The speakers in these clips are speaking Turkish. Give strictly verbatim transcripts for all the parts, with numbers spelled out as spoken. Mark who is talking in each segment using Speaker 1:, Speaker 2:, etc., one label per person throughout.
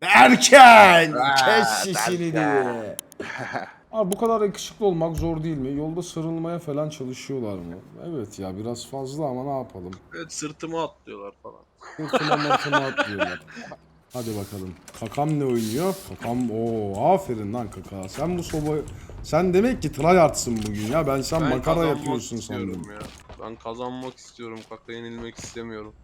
Speaker 1: Erken! Kes sesini diye. Abi bu kadar yakışıklı olmak zor değil mi? Yolda sarılmaya falan çalışıyorlar mı? Evet ya biraz fazla ama ne yapalım?
Speaker 2: Evet, sırtıma atlıyorlar falan.
Speaker 1: Sırtıma martıma atlıyorlar. Hadi bakalım. Kakam ne oynuyor? Kakam ooo aferin lan kaka. Sen bu soba... Sen demek ki tryhard'sın bugün ya. Ben sen
Speaker 2: Ben
Speaker 1: makara
Speaker 2: kazanmak
Speaker 1: yapıyorsun
Speaker 2: istiyorum
Speaker 1: sandım.
Speaker 2: ya. Ben kazanmak istiyorum. Kaka yenilmek istemiyorum.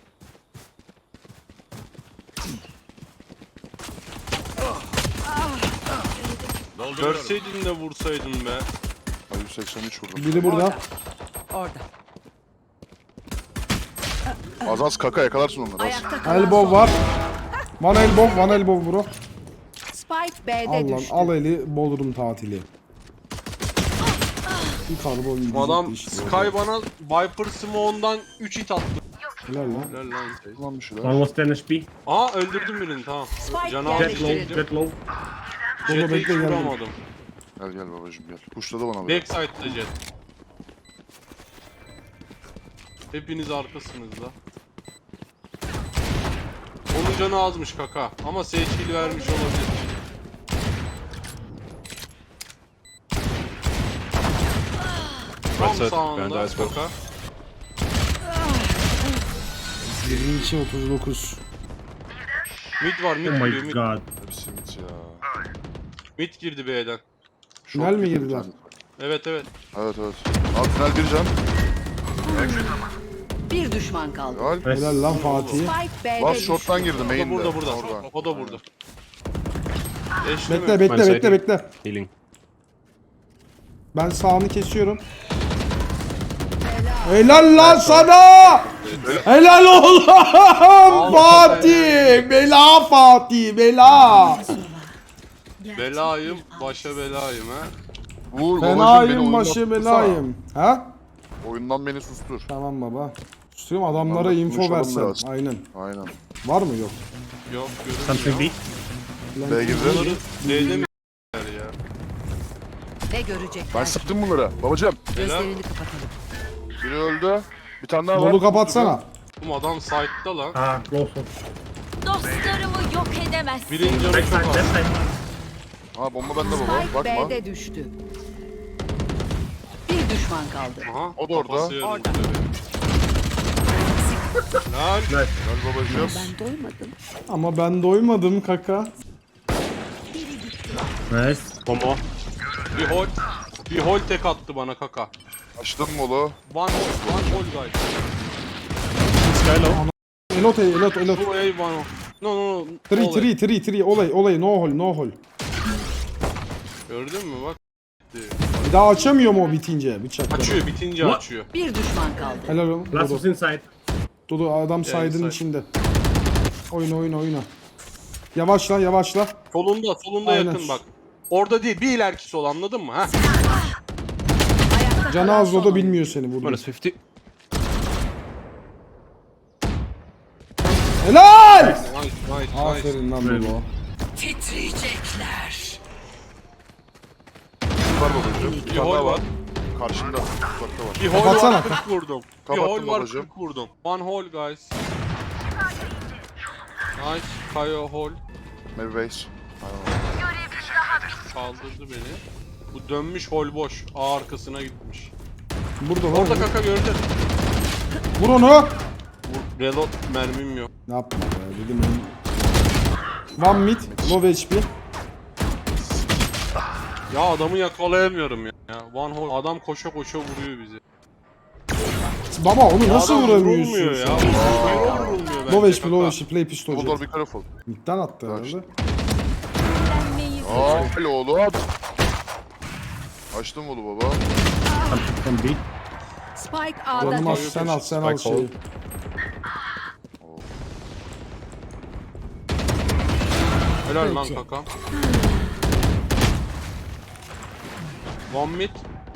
Speaker 2: Görseydin de vursaydın be.
Speaker 3: Ay yüz seksen üç vurdum.
Speaker 1: Biri burada.
Speaker 4: Orada.
Speaker 3: Az az kaka yakalarsın onları az.
Speaker 4: Ayakta kalan
Speaker 1: Elbow
Speaker 4: son.
Speaker 1: var. One elbow, one elbow bro.
Speaker 4: Spike B'de
Speaker 1: Al lan
Speaker 4: düştü.
Speaker 1: al eli Bodrum tatili. Bir karbon gidecekti
Speaker 2: Adam
Speaker 1: işte.
Speaker 2: Sky bana Viper Smoke'dan üç hit attı.
Speaker 1: Helal lan.
Speaker 2: Helal lan şey.
Speaker 3: Lan bir şeyler.
Speaker 5: Almost ten H P.
Speaker 2: Aa öldürdüm birini tamam.
Speaker 4: Spike
Speaker 2: Canı
Speaker 4: geldi.
Speaker 2: az
Speaker 5: Jet low,
Speaker 2: çektim.
Speaker 5: jet low.
Speaker 1: Dolu
Speaker 2: Jet'e hiç
Speaker 1: bekle, geldim.
Speaker 2: vuramadım.
Speaker 3: Gel gel babacım gel. Kuşladı bana böyle.
Speaker 2: Backside'da Jet. Hepiniz arkasınız da. Onun canı azmış kaka ama Sage heal vermiş olabilir. Tam sağında kaka.
Speaker 1: yirmi iki otuz dokuz.
Speaker 2: Mid var mid
Speaker 5: Oh
Speaker 2: giriyor
Speaker 5: my
Speaker 2: mid.
Speaker 5: god.
Speaker 3: Hepsi mit ya.
Speaker 2: Mid girdi B'den.
Speaker 1: Tünel mi
Speaker 3: girdi bir
Speaker 1: girdiler?
Speaker 3: tane.
Speaker 2: Evet evet.
Speaker 3: Evet evet. Abi tünel bir can.
Speaker 4: Bir düşman kaldı.
Speaker 3: Helal.
Speaker 1: Helal lan Fatih.
Speaker 4: Spike B'de
Speaker 3: Last
Speaker 4: düştü.
Speaker 3: shot'tan girdi
Speaker 2: O da
Speaker 3: main'de.
Speaker 2: burada burada.
Speaker 3: Oradan.
Speaker 2: O da burada. Eşleme.
Speaker 1: Bekle bekle
Speaker 5: Ben
Speaker 1: bekle bekle.
Speaker 5: Healing.
Speaker 1: Ben sağını kesiyorum. Helal lan sana! Helal oğlum! Fatih! Bela Fatih! Bela!
Speaker 2: Belayım, başa belayım ha.
Speaker 3: Vur babacım beni
Speaker 1: Fenayım
Speaker 3: oyundan
Speaker 1: başı
Speaker 3: tutsana.
Speaker 1: belayım. Ha?
Speaker 3: Oyundan beni sustur.
Speaker 1: Tamam baba. Tutuyorum adamlara
Speaker 3: Vallahi
Speaker 1: info
Speaker 3: konuşalım
Speaker 1: versen.
Speaker 3: biraz.
Speaker 1: Aynen.
Speaker 3: Aynen.
Speaker 1: Var mı yok?
Speaker 2: Yok
Speaker 5: Something
Speaker 2: görünmüyor.
Speaker 5: B.
Speaker 3: B girdi.
Speaker 2: Bunları D'de mi ya?
Speaker 4: Ne görecekler?
Speaker 3: Ben sıktım bunları. Babacım.
Speaker 4: Gözlerini kapatalım.
Speaker 3: Biri öldü. Bir tane daha var.
Speaker 1: Dolu kapatsana.
Speaker 2: Oğlum adam site'da lan.
Speaker 5: Ah, close one.
Speaker 6: Dostlarımı yok edemezsin.
Speaker 2: Birinci canı
Speaker 5: Backside,
Speaker 2: çok az.
Speaker 5: left side.
Speaker 3: Ha bomba bende baba.
Speaker 4: Spike
Speaker 3: Bakma.
Speaker 4: B'de düştü. Bir düşman kaldı.
Speaker 2: Aha,
Speaker 3: O da orada.
Speaker 2: kafası yarıldı
Speaker 4: Orada.
Speaker 2: tabii. Lan
Speaker 5: Nice.
Speaker 3: Gel babacım.
Speaker 4: Ben doymadım.
Speaker 1: Ama ben doymadım kaka.
Speaker 5: Nice.
Speaker 2: Tomo. Bir hol. Bir hol tek attı bana kaka.
Speaker 3: Açtım molu.
Speaker 2: One hole, one hole guys.
Speaker 5: Sky low.
Speaker 1: Elot elot elot.
Speaker 2: Two A, one hole. No no no.
Speaker 1: Three
Speaker 2: Hole.
Speaker 1: three three three olay olay no hole no hole.
Speaker 2: Gördün mü bak.
Speaker 1: Bir daha açamıyor mu o bitince bıçakla?
Speaker 2: Açıyor bitince
Speaker 5: What?
Speaker 2: açıyor.
Speaker 4: Bir düşman kaldı.
Speaker 1: Helal olsun.
Speaker 5: Last
Speaker 1: Dodo.
Speaker 5: was inside.
Speaker 1: Dodo adam
Speaker 2: inside.
Speaker 1: saydın içinde. Oyna oyna oyna. Yavaşla yavaşla.
Speaker 2: Solunda solunda
Speaker 1: Aynen.
Speaker 2: yakın bak. Orada değil bir ileriki sol anladın mı ha?
Speaker 4: Ayakta
Speaker 1: Canı
Speaker 4: kalan
Speaker 1: az
Speaker 4: son
Speaker 1: Dodo
Speaker 4: oyuncu.
Speaker 1: bilmiyor seni burada.
Speaker 5: Minus fifty.
Speaker 1: Helal!
Speaker 2: Nice nice nice.
Speaker 1: Aferin lan Dodo.
Speaker 4: Titriyecekler.
Speaker 3: Var babacım. Bir
Speaker 2: Bir
Speaker 3: tane
Speaker 2: hol
Speaker 3: daha
Speaker 2: var.
Speaker 3: var. Karşımda. Uzakta var.
Speaker 2: Bir hol
Speaker 1: Kapatsana.
Speaker 2: var kırk vurdum. Bir
Speaker 3: Kapattım
Speaker 2: hol var
Speaker 3: babacığım.
Speaker 2: kırk vurdum. One hole guys. Nice. Kayo hole.
Speaker 3: Maybe base.
Speaker 2: Kaldırdı beni. Bu dönmüş hol boş. A arkasına gitmiş.
Speaker 1: Burada lan.
Speaker 2: Orada kaka gördün.
Speaker 1: Vur onu.
Speaker 2: Bu reload mermim yok.
Speaker 1: Ne yapma be dedim ben. One mid, low H P.
Speaker 2: Ya adamı yakalayamıyorum ya. ya. One hole adam koşa koşa vuruyor bizi.
Speaker 1: Baba onu nasıl
Speaker 2: Adam
Speaker 1: vuramıyorsun
Speaker 2: vurulmuyor ya.
Speaker 1: sen?
Speaker 2: Hero vurulmuyor bence
Speaker 1: Low H P,
Speaker 2: kaka.
Speaker 1: low H P, play pistol
Speaker 3: Double door
Speaker 1: jet.
Speaker 3: be careful.
Speaker 1: Mid'den attı
Speaker 3: Kaç.
Speaker 1: herhalde.
Speaker 6: Eğlenmeyi
Speaker 3: Aa helal oğlum. Açtım molu baba.
Speaker 5: From B.
Speaker 4: Spike A'da
Speaker 1: Canım az
Speaker 4: düştü.
Speaker 1: sen al sen al
Speaker 5: Spike
Speaker 1: şeyi.
Speaker 2: Helal lan kaka. One mid.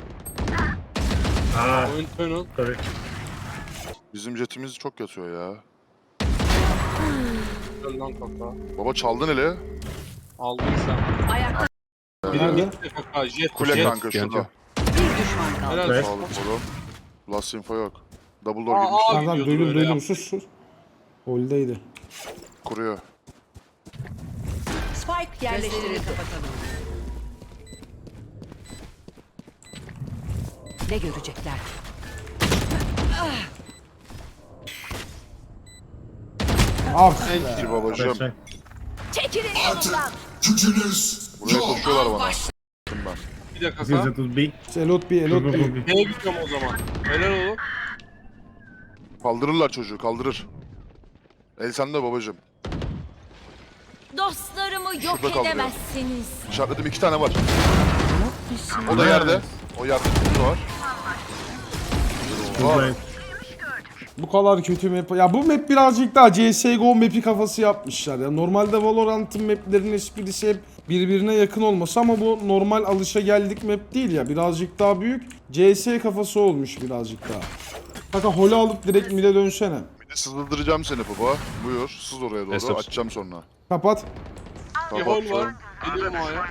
Speaker 5: Ah,
Speaker 2: Oyun tunnel.
Speaker 5: sorry.
Speaker 3: Bizim jetimiz çok yatıyor ya.
Speaker 2: Helal lan kaka.
Speaker 3: Baba çaldın hele.
Speaker 2: Aldın sen.
Speaker 4: Ayakta
Speaker 2: Biri
Speaker 1: Nerede?
Speaker 2: midde kaka. Jet.
Speaker 3: Kule
Speaker 2: jet.
Speaker 3: kanka şurada.
Speaker 4: bir düşman kaldı.
Speaker 2: Helal.
Speaker 5: Evet.
Speaker 3: Sağlık oğlum. Last info yok. Double door
Speaker 2: Aa,
Speaker 3: girmiş.
Speaker 2: aa.
Speaker 1: Tamam tamam
Speaker 2: gidiyordu
Speaker 1: duydum
Speaker 2: böyle
Speaker 1: duydum
Speaker 2: yaptı.
Speaker 1: sus sus. Holdeydi.
Speaker 3: Kuruyor.
Speaker 4: Spike yerleştirildi. Kapatalım. Ne görecekler?
Speaker 1: Ah
Speaker 3: Gir babacığım.
Speaker 5: Backside.
Speaker 6: Çekilin yolumdan.
Speaker 3: Buraya koşuyorlar bana. Ben.
Speaker 2: Bir dakika
Speaker 5: This
Speaker 2: kaka.
Speaker 5: is B.
Speaker 1: Elot bir
Speaker 5: Go,
Speaker 1: elot
Speaker 5: go, go,
Speaker 1: bir.
Speaker 5: B.
Speaker 2: Neye gidiyorum o zaman? Helal oğlum.
Speaker 3: Kaldırırlar çocuğu kaldırır. El sende babacığım.
Speaker 6: Dostlarımı yok
Speaker 3: Şurada kaldırıyor.
Speaker 6: edemezsiniz.
Speaker 3: İşaretledim iki tane var. O da yerde. O yerde kutu var.
Speaker 5: Two
Speaker 3: Oha.
Speaker 5: blind.
Speaker 1: Bu kadar kötü map. Ya bu map birazcık daha C S G O map'i kafası yapmışlar ya. Normalde Valorant'ın map'lerinin esprisi hep birbirine yakın olması ama bu normal alışa geldik map değil ya. Birazcık daha büyük. C S kafası olmuş birazcık daha. Kanka holü alıp direkt mid'e dönsene.
Speaker 3: Bir de sızdıracağım seni baba. Buyur. Sız oraya doğru.
Speaker 2: Estağfurullah.
Speaker 3: Açacağım sonra.
Speaker 1: Kapat.
Speaker 2: Bir hol var. Gidiyorum A'ya.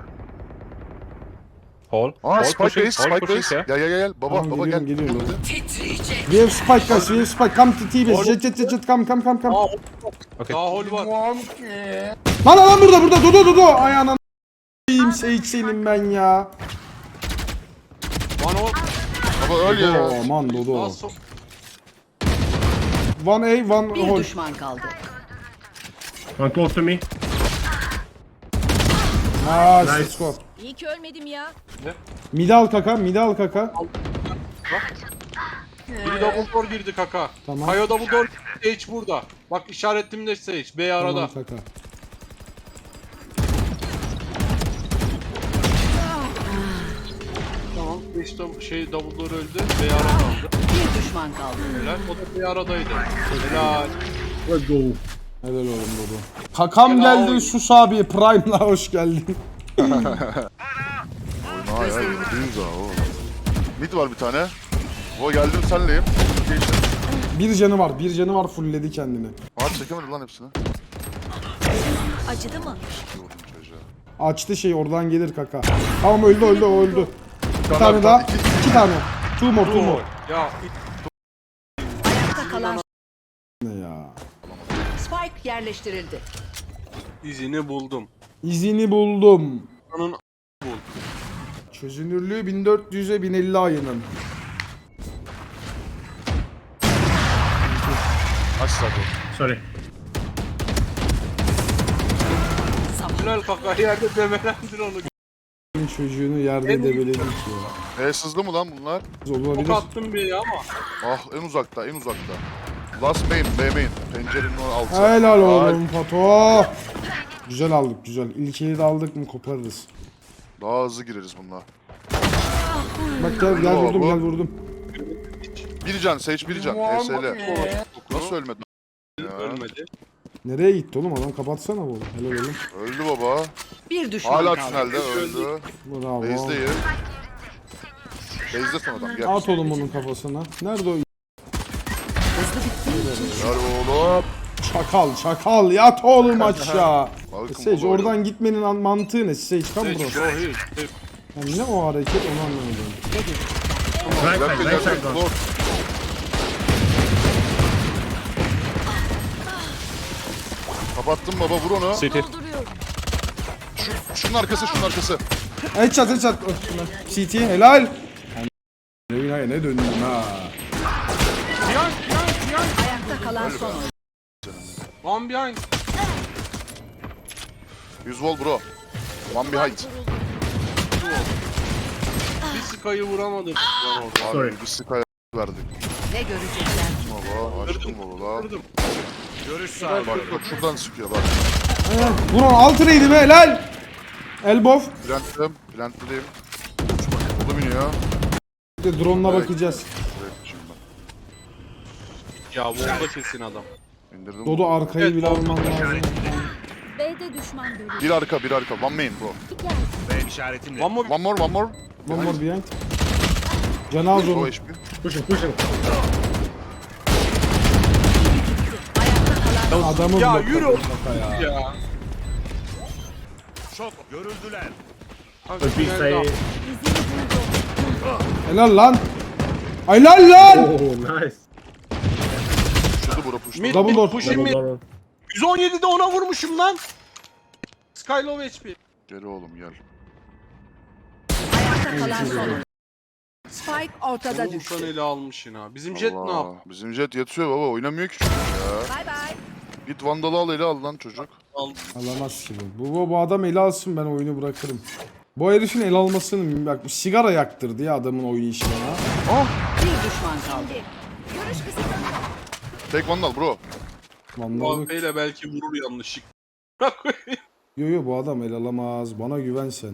Speaker 7: Hall.
Speaker 3: Aa
Speaker 7: Hall
Speaker 3: Spike
Speaker 7: pushing,
Speaker 3: Base,
Speaker 7: hall
Speaker 3: Spike
Speaker 7: pushing,
Speaker 3: Base.
Speaker 7: yeah.
Speaker 3: Gel gel gel. Baba
Speaker 1: Tamam,
Speaker 3: baba gel.
Speaker 1: geliyorum, geliyorum.
Speaker 4: Titriyecek.
Speaker 1: We have spike guys, we have spike. Come to T V. Jet jet jet jet come come come come.
Speaker 2: Aa,
Speaker 7: Okay.
Speaker 2: daha hol var.
Speaker 1: Lan lan burada burada Dodo Dodo. Ay anam. İyiyim Sage senin ben ya.
Speaker 2: One hol.
Speaker 3: Baba öl ya.
Speaker 1: Dodo aman Dodo.
Speaker 2: Daha so
Speaker 1: One A one
Speaker 4: Bir
Speaker 1: hole.
Speaker 4: düşman kaldı.
Speaker 5: One close to me.
Speaker 1: Nice.
Speaker 5: Nice.
Speaker 1: Score.
Speaker 6: İyi ki ölmedim ya.
Speaker 1: Mid al kaka, mid al kaka.
Speaker 2: biri double door girdi kaka.
Speaker 1: Tamam.
Speaker 2: Kayo double door. Sage burada. Bak işaretimde Sage. B arada.
Speaker 1: Tamam kaka.
Speaker 2: Tamam. Sage double, şey double door öldü. B ara kaldı.
Speaker 4: Bir düşman kaldı.
Speaker 2: Helal. O da B aradaydı. Helal.
Speaker 5: Let's go.
Speaker 1: Helal oğlum Dodo. Kakam
Speaker 2: Helal.
Speaker 1: geldi Sus abi. Prime'la hoş geldin.
Speaker 3: Oyna ya. Yüz daha o. Mid var bir tane. O geldim senleyim. Geçtim.
Speaker 1: Bir canı var, bir canı var fullledi kendini.
Speaker 3: Aa çekemedi lan hepsini.
Speaker 6: Acıdı mı?
Speaker 3: Bir vurdum çocuğa.
Speaker 1: Açtı şey oradan gelir kaka. Tamam öldü öldü o öldü. Bir tane daha. iki tane. Two more two more.
Speaker 2: Ya
Speaker 4: Ayakta kalan
Speaker 1: Ne ya?
Speaker 4: Spike yerleştirildi.
Speaker 2: izini buldum.
Speaker 1: İzini buldum.
Speaker 2: Onun
Speaker 1: Çözünürlüğü bin dört yüze bin elli ayının.
Speaker 3: Aç zaten.
Speaker 5: Sorry.
Speaker 2: helal kaka yerde demelendir onu.
Speaker 1: Çocuğunu yerde
Speaker 2: En-
Speaker 1: debeledik ya.
Speaker 3: E sızdı mı lan bunlar?
Speaker 1: Olabilir.
Speaker 2: Çok attım bir ya ama.
Speaker 3: Ah en uzakta en uzakta. Last main, B main. Pencerenin o altı.
Speaker 1: Helal
Speaker 3: Ay,
Speaker 1: oğlum Fato. Güzel aldık güzel. İlkeyi de aldık mı koparırız.
Speaker 3: Daha hızlı gireriz bununla.
Speaker 1: Bak gel gel
Speaker 3: Bravo,
Speaker 1: vurdum
Speaker 3: bu.
Speaker 1: gel vurdum.
Speaker 3: Bir can, Sage bir can. E S L. Nasıl ölmedi? Ya.
Speaker 2: Ölmedi.
Speaker 1: Nereye gitti oğlum adam kapatsana bu. Helal oğlum.
Speaker 3: Öldü baba.
Speaker 4: Bir düşman
Speaker 3: Hala
Speaker 4: kaldı.
Speaker 3: tünelde öldü.
Speaker 1: Bravo.
Speaker 3: Base'deyiz. Base'de son adam gel.
Speaker 1: At oğlum onun kafasına. Nerede o?
Speaker 3: Gel oğlum.
Speaker 1: Çakal çakal yat oğlum aşağı.
Speaker 3: Bakın
Speaker 1: Sage
Speaker 3: baba,
Speaker 1: oradan gitmenin an- mantığı ne? Sage tam
Speaker 2: Sage
Speaker 1: burası.
Speaker 2: go here.
Speaker 1: Yani ne o hareket onu anlamadım.
Speaker 5: Right
Speaker 3: Left
Speaker 5: side,
Speaker 3: side,
Speaker 5: right side
Speaker 3: left
Speaker 5: gone.
Speaker 3: side. Kapattım baba vur onu.
Speaker 7: City.
Speaker 6: Dolduruyorum.
Speaker 3: Şunun arkası şunun arkası.
Speaker 1: Headshot headshot. C T helal. Reyna'ya ne döndün ha?
Speaker 4: Ayakta kalan son oyuncu.
Speaker 2: One behind.
Speaker 3: yüz vol bro. One behind.
Speaker 2: Bir Sky'ı vuramadım. Lan orada.
Speaker 5: Sorry.
Speaker 3: Abi bir sky verdik.
Speaker 4: Ne görecekler?
Speaker 3: Baba açtım baba la.
Speaker 2: Vurdum.
Speaker 3: Bak bak şuradan sıkıyor bak.
Speaker 1: Vur onu altı reydi be helal. Elbow.
Speaker 3: Plantledim. Plantledim. Oğlum iniyor.
Speaker 1: Bir de drone'la bakacağız.
Speaker 3: Buraya şimdi
Speaker 2: Ya bu da kesin adam.
Speaker 3: ben. İndirdim.
Speaker 1: Dodo arkayı
Speaker 2: Evet,
Speaker 1: bile alman lazım.
Speaker 6: B'de düşman görüldü.
Speaker 3: Bir arka bir arka. One main bro.
Speaker 2: One more.
Speaker 3: One more one more.
Speaker 1: One more behind. Canı az
Speaker 3: O
Speaker 1: onu.
Speaker 3: H P.
Speaker 5: Pushing, pushing.
Speaker 1: Adamı
Speaker 2: Ya
Speaker 1: blokladın
Speaker 2: yürü.
Speaker 1: kaka ya.
Speaker 2: Ya.
Speaker 5: But we say.
Speaker 1: Helal lan. Helal lan.
Speaker 5: Oh, nice.
Speaker 3: Şurada bro push.
Speaker 2: Mid
Speaker 1: Double
Speaker 2: mid
Speaker 1: door.
Speaker 2: pushing
Speaker 5: Double
Speaker 2: mid.
Speaker 5: door.
Speaker 2: yüz on yedide ona vurmuşum lan. Sky low H P.
Speaker 3: Gel oğlum gel.
Speaker 4: Ayakta kalan son oyuncu. Spike ortada
Speaker 2: Oğlum
Speaker 4: düştü.
Speaker 2: sen ele almışsın ha. Bizim Jet ne
Speaker 3: Allah.
Speaker 2: yaptı?
Speaker 3: Bizim Jet yatıyor baba, oynamıyor ki çocuk ya.
Speaker 4: Bay bay.
Speaker 3: Git Vandal'ı al, ele al lan çocuk.
Speaker 2: Al.
Speaker 1: Alamaz ki bu. Bu, bu, bu adam ele alsın, ben oyunu bırakırım. Bu herifin el almasını bak, sigara yaktırdı ya adamın oyun işine ha.
Speaker 4: Bir düşman kaldı.
Speaker 6: Görüş kısıtlanıyor.
Speaker 3: Tek Vandal bro.
Speaker 1: Vandal
Speaker 2: Bu
Speaker 1: yok.
Speaker 2: ile belki vurur yanlışlık.
Speaker 1: Yo yo, bu adam el alamaz. Bana güven sen.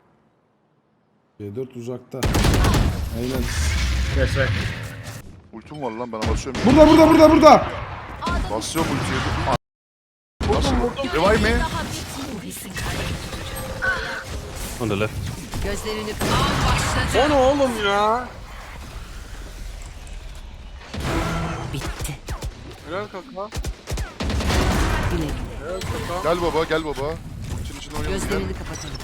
Speaker 1: C dört uzakta. Aynen.
Speaker 5: Yes, right.
Speaker 3: Ultim var lan, ben basıyorum.
Speaker 1: Burada burada burada burada.
Speaker 3: Basıyorum ultiyi. A- Nasıl? Revive mi?
Speaker 6: Daha bitmiyor.
Speaker 2: On the left.
Speaker 4: Gözlerini kapat.
Speaker 2: O ne oğlum ya?
Speaker 4: Bitti.
Speaker 2: Helal kaka.
Speaker 4: Bile.
Speaker 2: Helal kaka.
Speaker 3: Gel baba, gel baba. Ultinin içine oynayalım gel.
Speaker 4: Gözlerini kapatalım.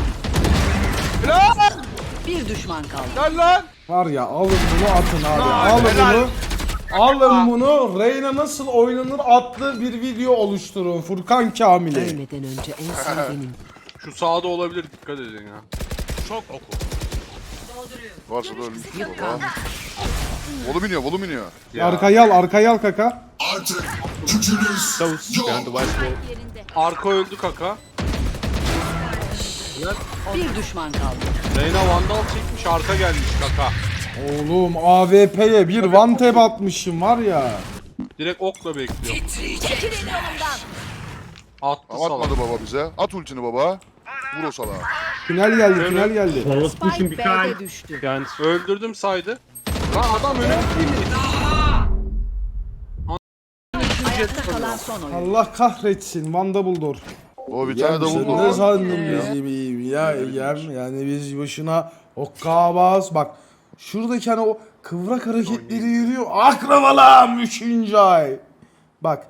Speaker 2: Helal!
Speaker 4: Bir düşman kaldı.
Speaker 2: Gel lan!
Speaker 1: Var ya, alın bunu atın abi. Alın bunu. Alın bunu. Reyna nasıl oynanır adlı bir video oluşturun. Furkan Kamil'e.
Speaker 4: Ölmeden önce en sevdiğim.
Speaker 2: Şu sağda olabilir, dikkat edin ya. Çok oku.
Speaker 3: Varsa da ölmüş
Speaker 4: Yük
Speaker 3: baba.
Speaker 4: kaldı.
Speaker 3: Volum iniyor, volum iniyor.
Speaker 1: Arkayı al, arkayı al kaka.
Speaker 6: Yerinde.
Speaker 2: Arka öldü kaka.
Speaker 4: Bir düşman kaldı.
Speaker 2: Reyna Vandal çekmiş, arka gelmiş kaka.
Speaker 1: Oğlum A W P'ye bir one tap atmışım var ya.
Speaker 2: Direkt okla bekliyor.
Speaker 6: Çekilin yolumdan.
Speaker 2: Attı
Speaker 3: Ama
Speaker 2: salak.
Speaker 3: atmadı baba bize. At ultini baba. Vur o salağı.
Speaker 1: Tünel geldi, tünel geldi.
Speaker 5: I was pushing
Speaker 4: Spike
Speaker 5: behind.
Speaker 4: B'de düştü.
Speaker 2: Yani öldürdüm saydı. Lan adam öyle değil mi?
Speaker 4: Ayakta kalan son oyuncu.
Speaker 1: Allah kahretsin Van Dumbledore.
Speaker 3: O bir
Speaker 1: Ya
Speaker 3: tane de
Speaker 1: sen
Speaker 3: vurdu.
Speaker 1: ne sandın bizi bir ya Egem? Yani biz boşuna hokkabaz. Bak şuradaki hani o kıvrak hareketleri yürüyor. Akrabalam üçüncü ay. Bak.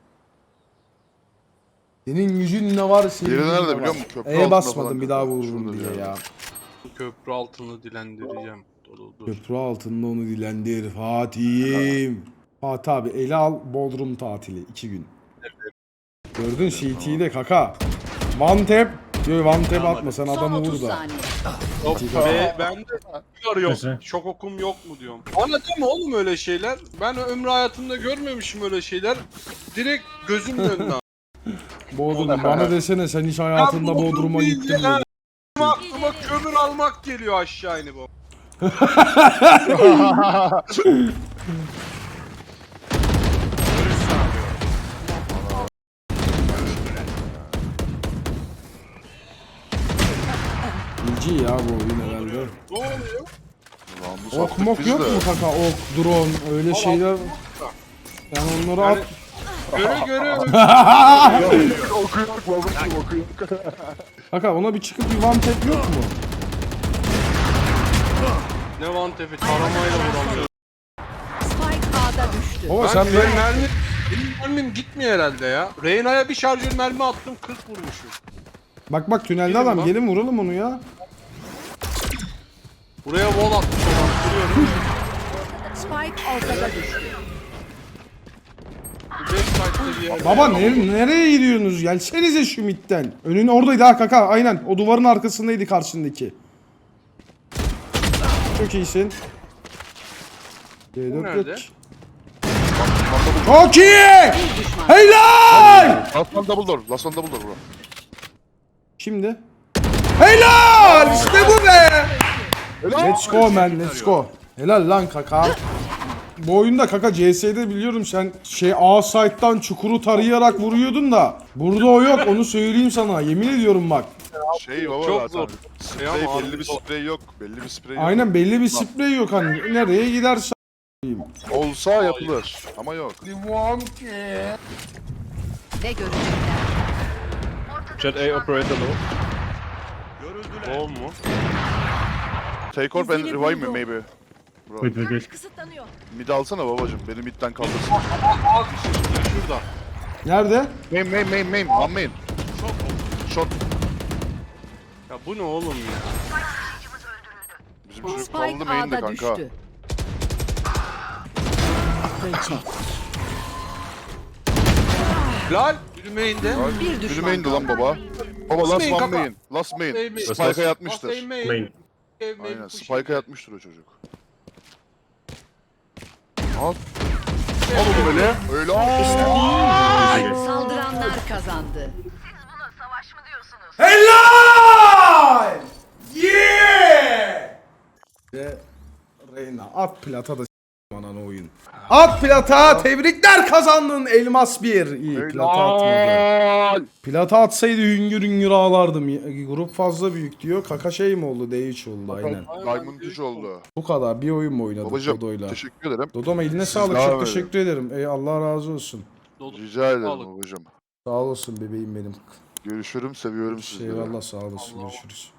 Speaker 1: Senin gücün ne var senin
Speaker 3: Yeri
Speaker 1: gücün
Speaker 3: nerede
Speaker 1: ne
Speaker 3: biliyor
Speaker 1: var?
Speaker 3: musun? Köprü
Speaker 1: E'ye
Speaker 3: altında
Speaker 1: basmadım
Speaker 3: falan
Speaker 1: bir daha
Speaker 3: köprü.
Speaker 1: vururum
Speaker 3: Şurada
Speaker 1: diye
Speaker 3: bir
Speaker 1: ya.
Speaker 3: yerde.
Speaker 2: Köprü altını dilendireceğim. Dur dur.
Speaker 1: Köprü altında onu dilendir Fatih'im. Fatih abi ele al Bodrum tatili iki gün. Gördün C T'yi de kaka. One tap. Yok one tap atma sen
Speaker 4: Son
Speaker 1: adamı
Speaker 4: otuz
Speaker 1: vur da.
Speaker 4: saniye.
Speaker 2: Hop, ve ben de arıyorum.
Speaker 5: Neyse.
Speaker 2: Şok okum yok mu diyorum. Bana deme oğlum öyle şeyler. Ben ömrü hayatımda görmemişim öyle şeyler. Direkt gözümün önüne.
Speaker 1: Bodrum bana desene sen hiç hayatında
Speaker 2: Bodrum
Speaker 1: Bodrum'a
Speaker 2: değil
Speaker 1: gittin
Speaker 2: ya.
Speaker 1: mi?
Speaker 2: Aklıma kömür almak geliyor aşağı inip o.
Speaker 1: İlci ya bu oyun herhalde.
Speaker 2: Ne oluyor?
Speaker 3: Lan bu
Speaker 1: Ok
Speaker 3: sattık
Speaker 1: mok
Speaker 3: biz
Speaker 1: yok
Speaker 3: de.
Speaker 1: mu kaka? Ok, drone öyle şeyler. Yani onları at.
Speaker 2: Göre göre
Speaker 3: Okuyor, okuyor, okuyor.
Speaker 1: Kaka ona bir çıkıp bir one tap yok mu?
Speaker 2: ne vantefi taramayla vuramıyor.
Speaker 4: Spike A'da düştü.
Speaker 1: Baba
Speaker 2: Ben
Speaker 1: sen
Speaker 2: benim
Speaker 1: böyle...
Speaker 2: mermi, benim mermim gitmiyor herhalde ya. Reyna'ya bir şarjör mermi attım kırk vurmuşum.
Speaker 1: Bak bak tünelde
Speaker 2: Gelin
Speaker 1: adam
Speaker 2: lan.
Speaker 1: gelin vuralım onu ya.
Speaker 2: Buraya wall atmış olan duruyorum.
Speaker 4: Spike ortada düştü.
Speaker 2: Bu backside'da bir yer.
Speaker 1: Baba ne, nereye gidiyorsunuz? Gelsenize şu midden. Önün oradaydı ha kaka aynen. O duvarın arkasındaydı karşındaki. Çok iyisin. C dört
Speaker 2: Nerede?
Speaker 1: geç. Çok iyi!
Speaker 4: Bir düşman.
Speaker 1: Helal!
Speaker 3: Last one double door, last one double door bro.
Speaker 1: Şimdi. Helal! İşte bu be! Let's go man, let's go. Helal lan kaka. Bu oyunda kaka C S'de biliyorum sen şey A site'dan çukuru tarayarak vuruyordun da burada o yok onu söyleyeyim sana yemin ediyorum bak.
Speaker 3: Şey baba
Speaker 2: Çok
Speaker 3: zaten.
Speaker 2: zor.
Speaker 3: Sprey,
Speaker 2: Şey ama
Speaker 3: belli bir
Speaker 2: abi, zor.
Speaker 3: sprey yok. Belli bir sprey yok.
Speaker 1: Aynen belli bir sprey yok hani nereye giderse.
Speaker 3: Olsa yapılır ama yok.
Speaker 4: Ne görecekler?
Speaker 7: Jet A operator low.
Speaker 2: Bol mu?
Speaker 3: Take orb and revive me maybe. Bro.
Speaker 5: Wait, wait, wait.
Speaker 6: Kısıtlanıyor.
Speaker 3: Mid alsana babacım. Beni midden kaldırsın.
Speaker 2: Bak işte şurada.
Speaker 1: Nerede?
Speaker 3: Main main main main. One main. Shot.
Speaker 2: Ya bu ne oğlum ya?
Speaker 3: Bizim çocuk
Speaker 4: Spike
Speaker 3: kaldı main'de
Speaker 4: A'da
Speaker 3: kanka.
Speaker 4: düştü. Fırça.
Speaker 2: Lal yürümeyin de.
Speaker 4: Bir düşman
Speaker 3: Biri main'di lan
Speaker 4: kaldı.
Speaker 3: baba. Baba last
Speaker 2: Main
Speaker 3: one
Speaker 2: kaka.
Speaker 3: main. Last main.
Speaker 2: Main, main.
Speaker 3: Spike'a
Speaker 2: Last
Speaker 3: yatmıştır.
Speaker 2: main, main.
Speaker 5: Main.
Speaker 2: Main, main
Speaker 3: Aynen.
Speaker 2: pushing.
Speaker 3: Spike'a yatmıştır o çocuk. Al. Al oğlum öyle. Öyle. Aa!
Speaker 4: Saldıranlar kazandı.
Speaker 1: Helal! Yeah! Ve Reyna at plata da s**tim ananı oyun. At plata tebrikler kazandın elmas bir. İyi plata atmadı.
Speaker 3: Helal.
Speaker 1: Plata atsaydı hüngür hüngür ağlardım. Grup fazla büyük diyor. Kaka şey mi oldu? D üç oldu aynen.
Speaker 3: Diamond üç oldu.
Speaker 1: Bu kadar bir oyun mu oynadık
Speaker 3: Babacım
Speaker 1: Dodo'yla?
Speaker 3: teşekkür ederim.
Speaker 1: Dodoma eline sağlık
Speaker 3: devam
Speaker 1: çok
Speaker 3: edin.
Speaker 1: teşekkür ederim. Ey Allah razı olsun.
Speaker 2: Dodo.
Speaker 3: Rica ederim
Speaker 2: Sağlık.
Speaker 3: babacım.
Speaker 1: Sağ olasın bebeğim benim.
Speaker 3: Görüşürüm, seviyorum sizleri.
Speaker 1: Eyvallah sağ olasın görüşürüz.